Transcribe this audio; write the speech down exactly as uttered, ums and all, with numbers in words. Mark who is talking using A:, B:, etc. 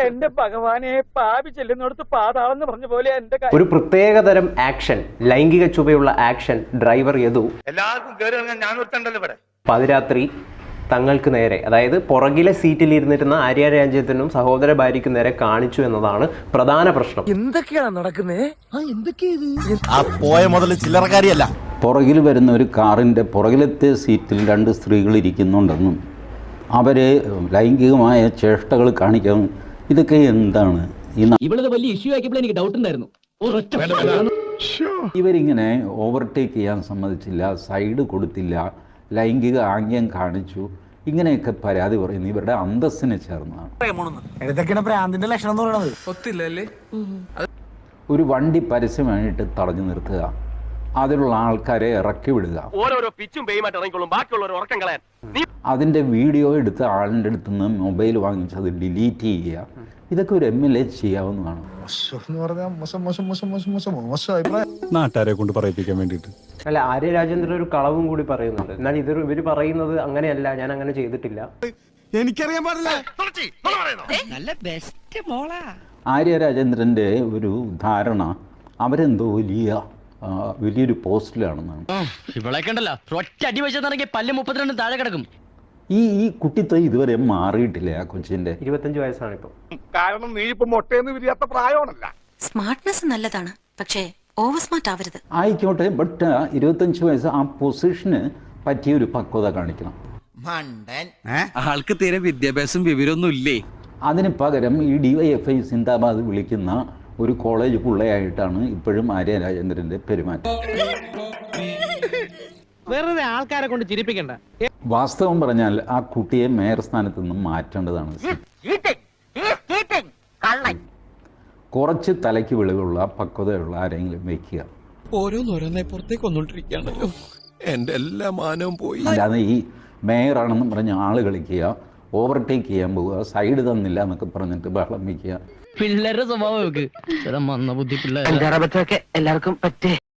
A: എന്റെ ഭഗവാനെ പാപി ചെല്ലുന്നിടത്ത് പാതാളെന്ന് പറഞ്ഞ പോലെ എന്റെ
B: ഒരു പ്രത്യേകതരം ആക്ഷൻ, ലൈംഗിക ചുവയുള്ള ആക്ഷൻ ഡ്രൈവർ യദു
C: എല്ലാവർക്കും
B: പാതിരാത്രി തങ്ങൾക്ക് നേരെ, അതായത് പുറകിലെ സീറ്റിൽ ഇരുന്നിരുന്ന ആര്യ രാജ്യത്തിനും സഹോദര ഭാര്യയ്ക്കും നേരെ കാണിച്ചു എന്നതാണ് പ്രധാന പ്രശ്നം.
A: എന്തൊക്കെയാണ് നടക്കുന്നത്?
D: പോയ മുതൽ ചില്ലറക്കാരിയല്ല.
E: പുറകിൽ വരുന്ന ഒരു കാറിൻ്റെ പുറകിലത്തെ സീറ്റിൽ രണ്ട് സ്ത്രീകൾ ഇരിക്കുന്നുണ്ടെന്നും അവരെ ലൈംഗികമായ ചേഷ്ടകൾ കാണിക്കാൻ, ഇതൊക്കെ എന്താണ്?
F: ഇവളത് വലിയ ഇഷ്യൂ ആക്കിയപ്പോൾ എനിക്ക് ഡൗട്ട് ഉണ്ടായിരുന്നു.
E: ഇവരിങ്ങനെ ഓവർടേക്ക് ചെയ്യാൻ സമ്മതിച്ചില്ല, സൈഡ് കൊടുത്തില്ല, ലൈംഗിക ആംഗ്യം കാണിച്ചു, ഇങ്ങനെയൊക്കെ പരാതി പറയുന്നു. ഇവരുടെ അന്തസ്സിനെ ചേർന്നതാണ്. ഒരു വണ്ടി പരസ്യമായിട്ട് തടഞ്ഞു നിർത്തുക, അതിലുള്ള ആൾക്കാരെ ഇറക്കി വിടുക, അതിന്റെ വീഡിയോ എടുത്ത് ആളിൻ്റെ അടുത്ത് നിന്ന് മൊബൈൽ വാങ്ങിച്ച് അത് ഡിലീറ്റ് ചെയ്യുക, ഇതൊക്കെ ഒരു എം എൽ എ ചെയ്യാവുന്നതാണ്.
D: നാട്ടുകാരെ കൊണ്ട് പറയിപ്പിക്കാൻ വേണ്ടിയിട്ട്.
B: അല്ല, ആര്യ രാജേന്ദ്രൻ ഒരു കളവും കൂടി പറയുന്നുണ്ട്. എന്നാൽ ഇതൊരു ഇവര് പറയുന്നത് അങ്ങനെയല്ല, ഞാൻ അങ്ങനെ ചെയ്തിട്ടില്ല.
D: എനിക്കറിയാൻ പാടില്ല.
E: ആര്യ രാജേന്ദ്രന്റെ ഒരു ധാരണ അവരെന്തോ വലിയ വലിയൊരു പോസ്റ്റിലാണെന്നാണ്.
F: താഴെ കിടക്കും.
E: ഈ ഈ കുട്ടിത്തെ ഇതുവരെ മാറിയിട്ടില്ല. ആ കൊച്ചിന്റെ
B: ഇരുപത്തഞ്ച് വയസ്സാണ് ഇപ്പൊ.
C: കാരണം നീ ഇപ്പൊ മൊട്ടയെന്ന് വിരിയാത്ത പ്രായമാണല്ല.
G: സ്മാർട്ട്നെസ് നല്ലതാണ്, പക്ഷേ ഓവർ സ്മാർട്ട് ആവരുത്.
E: ആയിക്കോട്ടെ, ബട്ട് ഇരുപത്തഞ്ച് വയസ്സ് ആ പൊസിഷന് പറ്റിയ ഒരു പക്വത കാണിക്കണം.
H: ആൾക്ക് തീരെ വിദ്യാഭ്യാസം വിവരമൊന്നും ഇല്ലേ?
E: അതിന് പകരം ഈ ഡിവൈഎഫ്ഐ സിന്ദാബാദ് വിളിക്കുന്ന ഒരു കോളേജ് പിള്ളയായിട്ടാണ് ഇപ്പോഴും ആര്യ രാജേന്ദ്രന്റെ പെരുമാറ്റം.
A: വെറുതെ ആൾക്കാരെ കൊണ്ട് ചിരിപ്പിക്കണ്ട.
E: വാസ്തവം പറഞ്ഞാൽ ആ കുട്ടിയെ മേയർ സ്ഥാനത്ത് നിന്നും മാറ്റേണ്ടതാണ്. കുറച്ച് തലയ്ക്ക് വെളിവുള്ള പക്വതയുള്ള ആരെങ്കിലും വെക്കുക.
D: ഓരോന്നോരോന്നെ പുറത്തേക്ക് വന്നോണ്ടിരിക്കുകയാണല്ലോ. എന്റെ എല്ലാ മാനവും പോയി.
E: അല്ലാതെ ഈ മേയറാണെന്നും പറഞ്ഞ് ആള് കളിക്കുക, ഓവർടേക്ക് ചെയ്യാൻ പോവുക, സൈഡ് തന്നില്ല എന്നൊക്കെ പറഞ്ഞിട്ട് ബഹളം വയ്ക്കുക.
F: പിള്ളേരുടെ സ്വഭാവം മന്ന ബുദ്ധി പിള്ളേർ
A: എല്ലാവർക്കും പറ്റേ